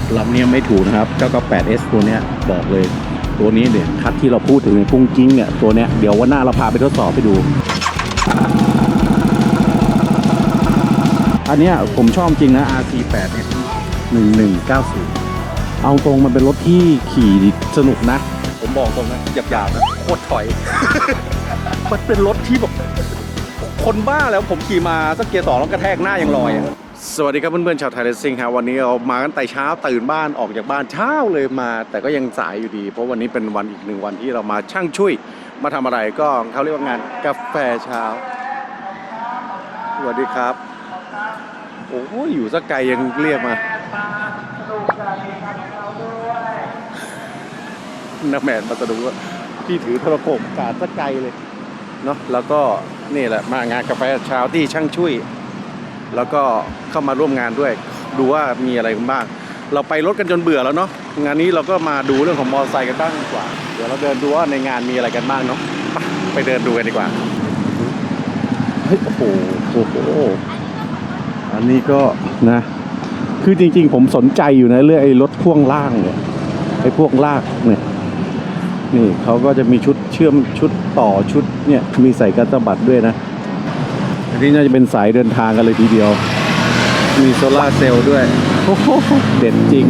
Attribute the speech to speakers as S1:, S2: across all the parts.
S1: ลำนี้ไม่ถูกนะครับ 998S ตัวเนี้ยบอกเลยตัวนี้เนี่ยคัดที่เราพูดถึงในกุ้งกิ้งเนี่ยตัวเนี้ยเดี๋ยววันหน้าเราพาไปทดสอบไปดูอันเนี้ยผมชอบจริงนะ RC8S 1190เอาตรงมันเป็นรถที่ขี่สนุกนะผมบอกตรงนะหยาบๆนะโคตรถอย มันเป็นรถที่แบบคนบ้าแล้วผมขี่มาสักเกียร์2แล้วกระแทกหน้ายังลอยสวัสดีครับเพื่อนๆชาวไทยเรซซิ่งครับวันนี้เรามากันแต่เช้าตื่นบ้านออกจากบ้านเช้าเลยมาแต่ก็ยังสายอยู่ดีเพราะวันนี้เป็นวันอีกหนึ่งวันที่เรามาช่างช่วยมาทำอะไรก็เขาเรียกว่างานกาแฟเช้าสวัสดีครับโอ้โหอยู่สักไกลยังเรียกมานักแมนมาสะดุดว่าพี่ถือโทรโขงกาดสักไกลเลยเนาะแล้วก็นี่แหละมางานกาแฟเช้าที่ช่างช่วยแล้วก็เข้ามาร่วมงานด้วยดูว่ามีอะไรกันบ้างเราไปรถกันจนเบื่อแล้วเนาะงานนี้เราก็มาดูเรื่องของมอเตอร์ไซค์กันบ้างดีกว่าเดี๋ยวเราเดินดูว่าในงานมีอะไรกันบ้างเนาะไปเดินดูกันดีกว่าเฮ้ยโอ้โหอันนี้ก็นะคือจริงๆผมสนใจอยู่นะเรื่องไอ้รถพ่วงล่างเนี่ยไอ้พวกลากเนี่ยนี่เขาก็จะมีชุดเชื่อมชุดต่อชุดเนี่ยมีใส่กระสะบัดด้วยนะอันนี้น่าจะเป็นสายเดินทางกันเลยทีเดียวมีโซล่าเซลล์ด้วยโอ้โหเด็ดจริง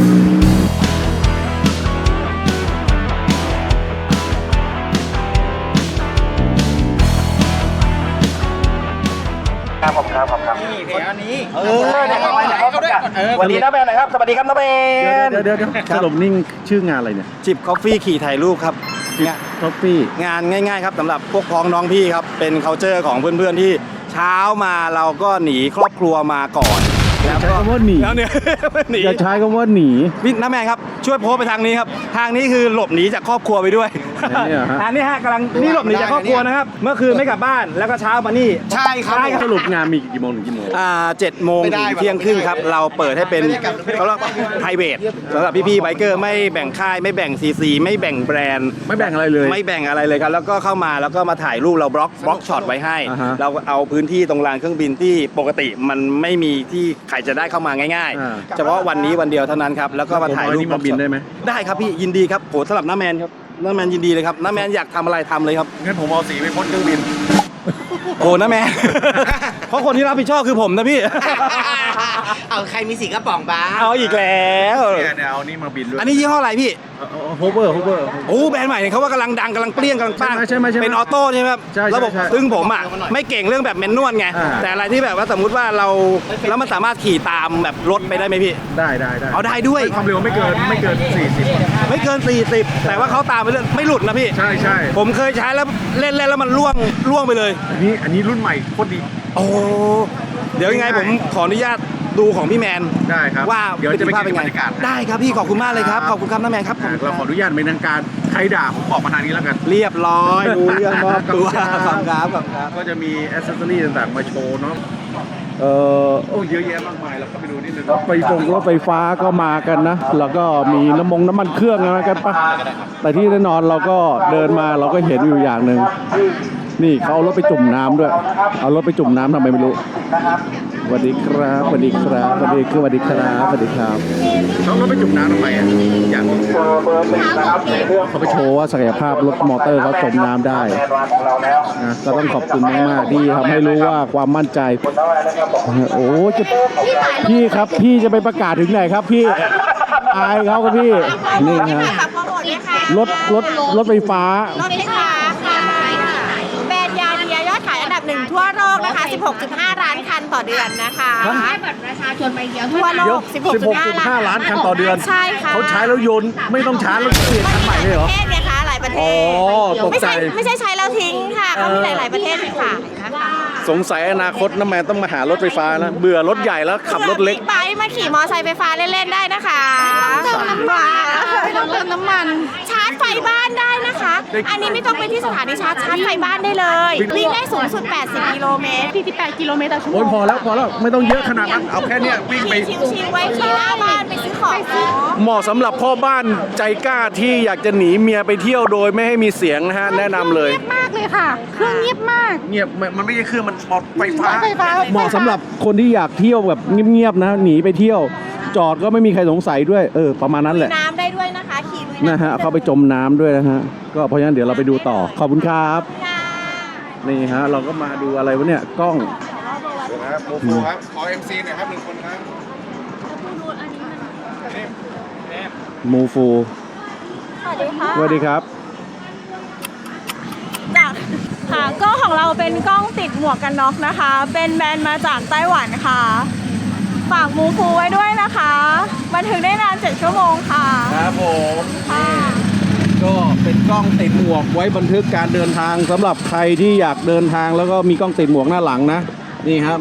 S2: นี่เดี๋ยวนี้วันนี้นะแมนนะครับสวัสดีครับนะแมน
S1: เดี๋ยวสรุปนิ่งชื่องานอะไรเนี่ย
S2: จิบกาแฟขี่ถ่ายรูปครับ
S1: ท็อปปี้
S2: งานง่ายๆครับสำหรับพวกพ้องน้องพี่ครับเป็น culture ของเพื่อนๆที่เช้ามาเราก็หนีครอบครัวมาก่อน
S1: แล้วใช้คำว่าหนี
S2: แล้วเนี่ยหนี
S1: จะใช้คำว่าหนี
S2: พี่น้าแมนครับช่วยโพสไปทางนี้ครับทางนี้คือหลบหนีจากครอบครัวไปด้วยอันนี้ฮะกำลังนี่หลบหนีจากครอบครัวนะครับเมื่อคืนไม่กลับบ้านแล้วก็เช้ามานี่
S3: ใช่ครับ
S1: สรุปงานมีกี่โมงถึงกี่โมง
S2: 7 โมงถึงเที่ยงครึ่งครับเราเปิดให้เป็นเขาเรียกว่า private สำหรับพี่ๆไบเกอร์ไม่แบ่งค่ายไม่แบ่ง CC ไม่แบ่งแบรนด์
S1: ไม่แบ่งอะไรเลย
S2: ไม่แบ่งอะไรเลยครับแล้วก็เข้ามาแล้วก็มาถ่ายรูปเราบล็อกช็อตไว้ให้เราเอาพื้นที่ตรงลานเครื่องบินที่ปกติมันไม่มีที่ใครจะได้เข้ามาง่ายๆเฉพาะวันนี้วันเดียวเท่านั้นครับแล้วก็มาถ่ายรูป
S1: มาบินได้ไหม
S2: ได้ครับพี่ยินดีครับโหสำหรับน้าแมนครับน้าแมนยินดีเลยครับน้าแมนอยากทำอะไรทำเลยครับ
S1: งั้นผมเอาสีไปพ่นเครื่องบิน
S2: โอ้น้าแมนเพราะคนที่รับผิดชอบคือผมนะพี่
S3: เอาใครมีสีกระป๋องบ้า
S2: เอาอีกแล้ว
S1: เนี่ยเอานี่มาบินด้วย
S2: อันนี้ยี่ห้ออะไรพี่
S1: โฮเวอร์
S2: โอ้แบรนด์ใหม่เนี่ยเขาว่ากำลังดังกำลังเปรี้ยงกำลังปั้ง
S1: ใช่ไหม
S2: เป็นออโต้ใช่ไหมครับระบบซึ่งผมอ่ะไม่เก่งเรื่องแบบแมนนวลไงแต่อะไรที่แบบว่าสมมุติว่าเราแล้วมันสามารถขี่ตามแบบรถไปได้ไหมพี่
S1: ได้
S2: เอาได้ด้วย
S1: ความเร็วไม่เกิน40
S2: ไม่เกิน40แต่ว่าเขาตามไปเรื่อยไม่หลุดนะพี่
S1: ใช่
S2: ผมเคยใช้แล้วเล่นแล้วมันล่วงไปเลย
S1: อันนี้รุ่นใหม่โคตรดี
S2: โอ้เดี๋ยวยังไงผมขออนุญาตดูของพี่แมน
S1: ได้ครับ
S2: ว่า
S1: เดี๋ยวจะไป
S2: เป็นไงได้ครับพี่ขอบคุณมากเลยครับขอบคุณครับน้าแมนครับ
S1: เราขออนุญาตเป็นทางการใครด่าผมบอกมาทางนี้แล้วกัน
S2: เรียบร้อยดูเรื่องมอบตัวครับ
S1: ก็จะมีแอคเซสซอรี่ต่างๆมาโชว์เนาะโอ้เยอะแยะมากมายเราก็ไปดูนิดนึงรถไฟฟ้าก็มากันนะแล้วก็มีน้ำมันเครื่องอะไรกันปะแต่ที่แน่นอนเราก็เดินมาเราก็เห็นอยู่อย่างหนึ่งนี่เขาเอารถไปจุ่มน้ำด้วยเอารถไปจุ่มน้ำทำไมไม่รู้สวัสดีครับเขารถไปจุ่มน้ำทำไมอ่ะอย่างเขาไปโชว์ว่าศักยภาพรถมอเตอร์เขาจมน้ำได้นะก็ต้องขอบคุณมากๆที่ทำให้รู้ว่าความมั่นใจโอ้จะพี่ครับพี่จะไปประกาศถึงไหนครับพี่อายเขาครับพี่นี่นะรถไฟฟ้าร
S4: ถไฟฟ้าค่ะแบรนด์ยาเนียยอดขายอันดับ 1ทั่วโลกนะคะ 16.5 ล้านคันต่อเดือนนะคะให้บัตรประชาชนไปเดียวทั่วโลก
S1: 16.5 ล้านคันต่อเดือน
S4: ใช่ค่ะ
S1: เขาใช้แล้วโยนไม่ต้องชาร์จแล้วเปลี่ยนคันใหม่เลยเหรอ
S4: ประเทศเนี่ยค่ะหลายประเทศ
S1: ตกใจ
S4: ไม่ใช่ใช้แล้วทิ้งค่ะเขามีหลายๆประเทศเลยค่ะ
S1: สงสัยอนาคตน้ำแมนต้องมาหารถไฟฟ้านะเบื่อรถใหญ่แล้วขับรถเล็ก
S4: ไปมาขี่มอไซค์ไฟฟ้าเล่นๆได้นะคะเติมน้ำมันชาร์จไฟบ้านได้นะคะอันนี้ไม่ต้องไปที่สถานีชาร์จไฟบ้านได้เลยวิ่งได้สูงสุด80 กิโลเมตร48 กิโลเมตรต่อชั่วโมง
S1: พอแล้วไม่ต้องเยอะขนาดนั้นเอาแค่นี้วิ่งไป
S4: ชิวๆไว้ขี่หน้าบ้านไปซื้อของ
S1: เหมาะสำหรับพ่อบ้านใจกล้าที่อยากจะหนีเมียไปเที่ยวโดยไม่ให้มีเสียงนะฮะแนะนำเลย
S4: เงียบมากเลยค่ะเครื่องเงียบมาก
S1: เงียบมันไม่ใช่เครื่องมันไฟฟ้าเหมาะสำหรับคนที่อยากเที่ยวแบบเงียบๆนะหนีไปเที่ยวจอดก็ไม่มีใครสงสัยด้วยประมาณนั้นแหละ
S4: น้ำได้ด้วยนะคะขี่ลุย
S1: นะฮะเข้าไปจมน้ำด้วยนะฮะก็เพราะฉะนั้นเดี๋ยวเราไปดูต่อขอบคุณครับ
S4: ค่ะ
S1: นี่ฮะเราก็มาดูอะไรวะเนี่ยกล้อง
S5: ครับโมฟูครับ ขอ MC หน่อยครับ1 คนครับ
S1: มูฟู
S4: สวัสดีค่ะ
S1: สวัสดีครับ
S6: จากค่ะกล้องของเราเป็นกล้องติดหมวกกันน็อกนะคะ เป็นแบรนด์มาจากไต้หวันค่ะ ฝากมูฟูไว้ด้วยนะคะ บันทึกได้นาน7 ชั่วโมงค่ะ
S1: ครับผม
S6: ค่ะ
S1: ก็เป็นกล้องติดหมวกไว้บันทึกการเดินทางสำหรับใครที่อยากเดินทางแล้วก็มีกล้องติดหมวกหน้าหลังนะนี่ฮะ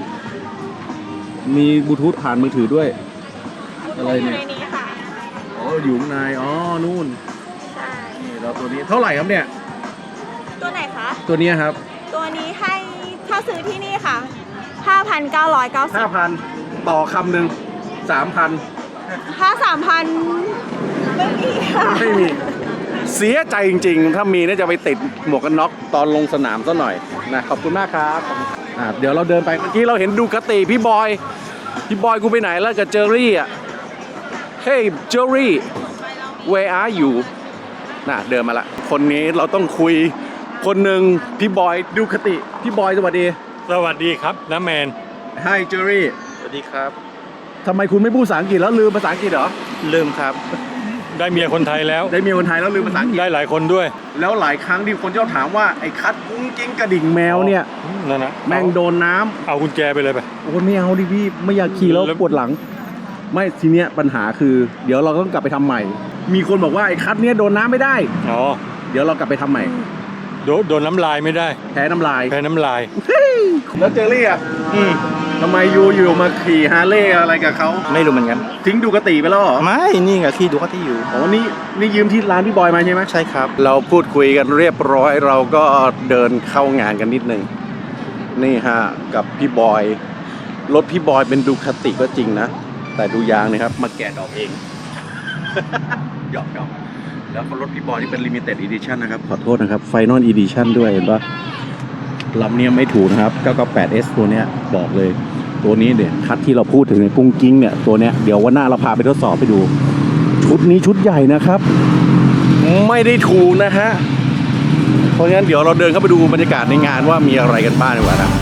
S1: มีบลูทูธผ่านมือถือด้วยอะไร
S6: อยู่
S1: เนี่ย
S6: ในนี้ค่ะ
S1: อ๋ออยู่ข้างในนู่น
S6: ใช่
S1: นี่เราตัวนี้เท่าไหร่ครับเนี่ย
S6: ตัวไหนคะ
S1: ตัวนี้ครับ
S6: ตัวนี้ให้ถ้าซื้อที่นี่ค่ะ 5,990
S1: 5,000 ต่อคำหนึ่ง3,000
S6: ถ้า 3,000ไม่มีค่ะ
S1: ไม่มี เสียใจจริงๆ ถ้ามีน่าจะไปติดหมวกกันน็อกตอนลงสนามซะหน่อยนะขอบคุณมากครับเดี๋ยวเราเดินไปเมื่อกี้เราเห็นดูคติพี่บอยกูไปไหนแล้วกับเจอรี่อ่ะ Hey เจอรี่ where are you เดินมาละคนนี้เราต้องคุยคนหนึ่งพี่บอยดูคติพี่บอยสวัสดี
S7: สวัสดีครับน้าแมน
S1: Hi เจอรี่
S2: สวัสดีครับ
S1: ทำไมคุณไม่พูดภาษาอังกฤษแล้วลืมภาษาอังกฤษเหรอ
S2: ลืมครับ
S7: ได้เมียคนไทยแล้ว
S1: ได้เมียคนไทยแล้วลืมภาษาอังกฤษ
S7: ได้หลายคนด้วย
S1: แล้วหลายครั้งที่คนชอบถามว่าไอ้คัดกุ้งกิ้งกระดิ่งแมวเนี่ย
S7: นั่นนะ
S1: แม่งโดนน้ำ
S7: เอากุญแจไปเลยไป
S1: โอ้ไม่เอาดิพี่ไม่อยากขี่แล้ว
S7: แล้ว
S1: ปวดหลัง ไม่ทีเนี้ยปัญหาคือ เดี๋ยวเราต้องกลับไปทำใหม่ มีคนบอกว่าไอ้คัดเนี้ยโดนน้ำไม่ได้
S7: อ๋อ
S1: เดี๋ยวเรากลับไปทำใหม่
S7: โดนน้ำลายไม่ได้
S1: แพ้น้ำลาย
S7: แพ้น้ำลาย
S1: แล้วเจอรี่อ่ะทำไมอยู่มาขี่ฮาร์เลย์อะไรกับเขา
S2: ไม่รู้เหมือนกัน
S1: ทิ้งดูกติไปแล้วเหรอ
S2: ไม่ นี่ไงที่ดูเขาที่อยู่
S1: อ๋อนี่ยืมที่ร้านพี่บอยมาใช่ไหม
S2: ใช่ครับ
S1: เราพูดคุยกันเรียบร้อยเราก็เดินเข้างานกันนิดนึงนี่ฮะกับพี่บอยรถพี่บอยเป็นดูคติก็จริงนะแต่ดูยางนะครับมาแกะดอกเอง หยอกแล้วก็รถพี่บอยที่เป็น limited edition นะครับขอโทษนะครับ final edition ด้วยเห็นปะลำเนี้ยไม่ถูกนะครับ 998S ตัวเนี้ยบอกเลยตัวนี้เนี่ยคัดที่เราพูดถึงในกุ้งกิ้งเนี่ยตัวเนี้ยเดี๋ยววันหน้าเราพาไปทดสอบไปดู ชุดนี้ชุดใหญ่นะครับ ไม่ได้ถูกนะฮะ เพราะงั้นเดี๋ยวเราเดินเข้าไปดูบรรยากาศในงานว่ามีอะไรกันบ้างดีกว่านะ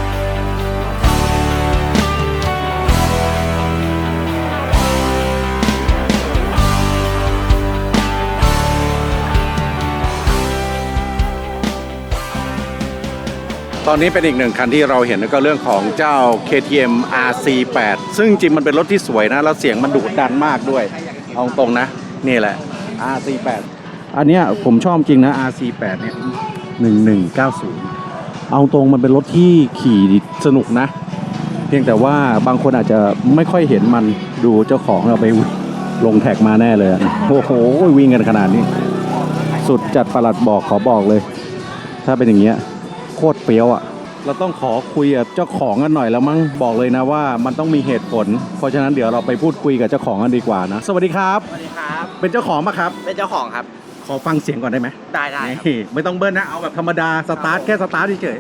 S1: ตอนนี้เป็นอีกหนึ่งคันที่เราเห็นก็เรื่องของเจ้า KTM RC8 ซึ่งจริงมันเป็นรถที่สวยนะแล้วเสียงมันดุดันมากด้วยเอาตรงนะนี่แหละ RC8 อันเนี้ยผมชอบจริงนะ RC8 เนี่ย1190เอาตรงมันเป็นรถที่ขี่สนุกนะ เพียงแต่ว่าบางคนอาจจะไม่ค่อยเห็นมันดูเจ้าของเราไปลงแท็กมาแน่เลยโอ้โหวิ่งกันขนาดนี้ สุดจัดประหลัดบอกขอบอกเลย ถ้าเป็นอย่างเงี้ยโคตรเปรี้ยวอ่ะเราต้องขอคุยกับเจ้าของกันหน่อยแล้วมั้งบอกเลยนะว่ามันต้องมีเหตุผล เพราะฉะนั้นเดี๋ยวเราไปพูดคุยกับเจ้าของกันดีกว่านะสวัสดีครับ
S3: สวัสดีครับ
S1: เป็นเจ้าของปะครับ
S3: เป็นเจ้าของครับ
S1: ขอฟังเสียงก่อนได้ไหม
S3: ได้ครับ
S1: นี่ไม่ต้องเบิ้ลนะเอาแบบธรรมดาสตาร์ทแค่สตาร์ทเฉย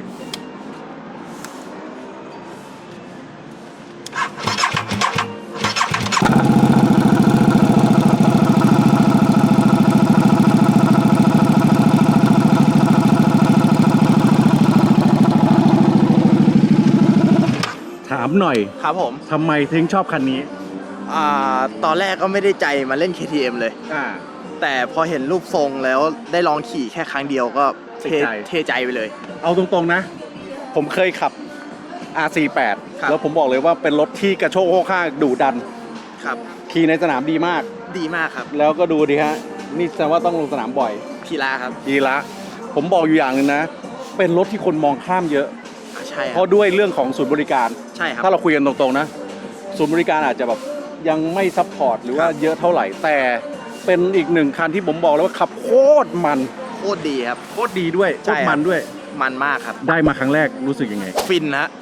S1: ถามหน่อย
S3: ครับผม
S1: ทำไมถึงชอบคันนี้
S3: ตอนแรกก็ไม่ได้ใจมาเล่น KTM เลย แต่พอเห็นรูปทรงแล้วได้ลองขี่แค่ครั้งเดียวก็
S1: ติดใจ
S3: เทใจไปเลย
S1: เอาตรงๆนะ ผมเคยขับ RC8
S3: ครับ
S1: แล้วผมบอกเลยว่าเป็นรถที่กระโชกโคกข้างดุดัน
S3: ครับ
S1: ขี่ในสนามดีมาก
S3: ดีมากครับ
S1: แล้วก็ดูดิฮะ นี่แสดงว่าต้องลงสนามบ่อย
S3: พีลาครับ
S1: ดีละ ผมบอกอยู่อย่างหนึงนะ เป็นรถที่คนมองข้ามเยอะ
S3: ใช่ค
S1: เพ
S3: รับ
S1: ราะด้วยเรื่องของศูนย์บริการ
S3: ใช่ครับ
S1: ถ้าเราคุยกันตรงๆนะ ศูนย์บริการอาจจะแบบยังไม่ซัพพอร์ตหรือว่าเยอะเท่าไหร่ แต่เป็นอีกหนึ่งคันที่ผมบอกเลยว่าขับโคตรมัน
S3: โคตรดีครับ
S1: โคตรดีด้วย โค
S3: ใช่
S1: ตร
S3: ครับ
S1: มันด้วย
S3: มันมากครับ
S1: ได้มาครั้งแรกรู้สึกยังไง
S3: ฟินฮะ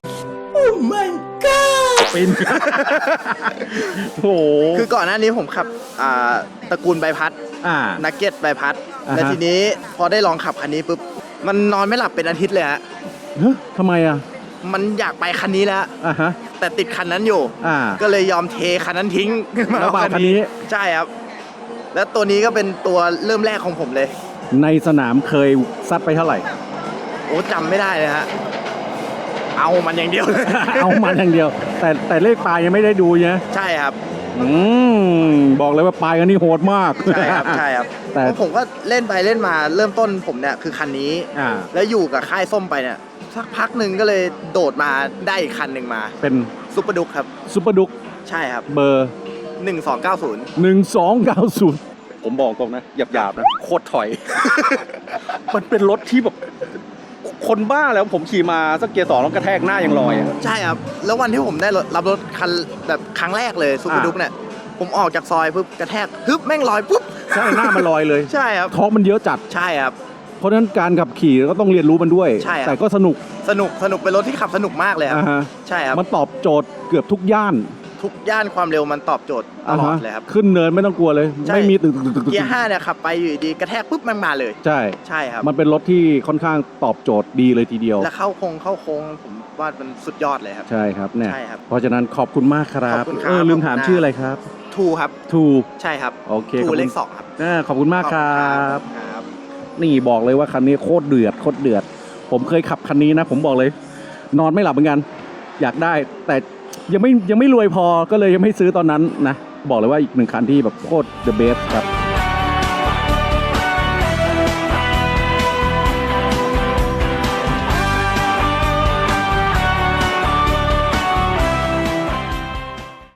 S1: ปิน โอ้โห
S3: คือก่อนหน้านี้ผมขับตระกูลใบพัด นักเก็ตใบพัด
S1: อ่าฮะ
S3: แล้วทีนี้พอได้ลองขับคันนี้ปุ๊บ มันนอนไม่หลับเป็นอาทิตย์เลยฮะ
S1: เฮ้ยทำไมอ่ะ
S3: มันอยากไปคันนี้แล้ว
S1: ฮะ
S3: แต่ติดคันนั้นอยู่ ก็เลยยอมเทคันนั้นทิ้ง
S1: แล้วมาคันนี้
S3: ใช่ครับ แล้วตัวนี้ก็เป็นตัวเริ่มแรกของผมเลย
S1: ในสนามเคยซัดไปเท่าไหร่
S3: โอ้จำไม่ได้เลยฮะเอามันอย่างเดียวเลย
S1: เอามันอย่างเดียว แต่เลขปลายยังไม่ได้ดูนะ
S3: ใช่ครับ
S1: บอกเลยว่าปลายกันนี่โหดมาก
S3: ใช่ครับใช่ครับ
S1: แต่
S3: เพราะผมก็เล่นไปเล่นมาเริ่มต้นผมเนี่ยคือคันนี้ แล้วอยู่กับค่ายส้มไปเนี่ยสักพักหนึ่งก็เลยโดดมาได้อีกคันหนึ่งมา
S1: เป็น
S3: ซุปเปอร์ดุกครับ
S1: ซุปเปอร์ดุก
S3: ใช่ครับ
S1: เบอร์
S3: 1290
S1: 1290 ผมบอกตรงนะหยาบๆนะโคตรถอย มันเป็นรถที่แบบคนบ้าแล้วผมขี่มาสักเกียร์สองแล้วกระแทกหน้ายังลอยอะ
S3: ใช่ครับ แล้ววันที่ผมได้รับรถคันแบบครั้งแรกเลยซุปเปอร์ดุกเนี่ยผมออกจากซอยปุ๊บกระแทกฮึบแม่งลอยปุ๊บ
S1: ใช่หน้ามันลอยเลย
S3: ใช่ครับ
S1: ท้องมันเยอะจัด
S3: ใช่ครับ
S1: เพราะฉะนั้นการขับขี่ก็ต้องเรียนรู้มันด้วย
S3: ใช่ครับ
S1: แต่ก็สนุก
S3: สนุกเป็นรถที่ขับสนุกมากเลยครับ
S1: ฮะ
S3: ใช่ครับ
S1: มันตอบโจทย์เกือบทุกย่าน
S3: ทุกย่านความเร็วมันตอบโจทย์ตลอดเลยครับ
S1: ขึ้นเนินไม่ต้องกลัวเลย
S3: ใช่
S1: ไม่มีตึก
S3: เกียร์5เนี่ยขับไปอยู่ดีกระแทกปุ๊บมันมาเลย
S1: ใช่
S3: ใช่ครับ
S1: มันเป็นรถที่ค่อนข้างตอบโจทย์ดีเลยทีเดียว
S3: แล้วเข้าโค้งผมว่ามันสุดยอดเลยครับ
S1: ใช่ครับเนี่ย
S3: ใช่ครับ
S1: เพราะฉะนั้นขอบคุณมากครับ
S3: ขอบคุณครับ
S1: ลืมถามชื่ออะไรครับ
S3: ทูครับ
S1: ทู
S3: ใช่ครับ
S1: โอเค
S3: ทู
S1: ขอบคุณ
S3: เลข2ครับ
S1: ขอบคุณมากครับ
S3: ครับ
S1: นี่บอกเลยว่าคันนี้โคตรเดือดโคตรเดือด ผมเคยขับคันนี้นะ ผมบอกเลย นอนไม่หลับเหมือนกัน อยากได้ แต่ยังไม่รวยพอก็เลยยังไม่ซื้อตอนนั้นนะ บอกเลยว่าอีกหนึ่งคันที่แบบโคตร the best ครับ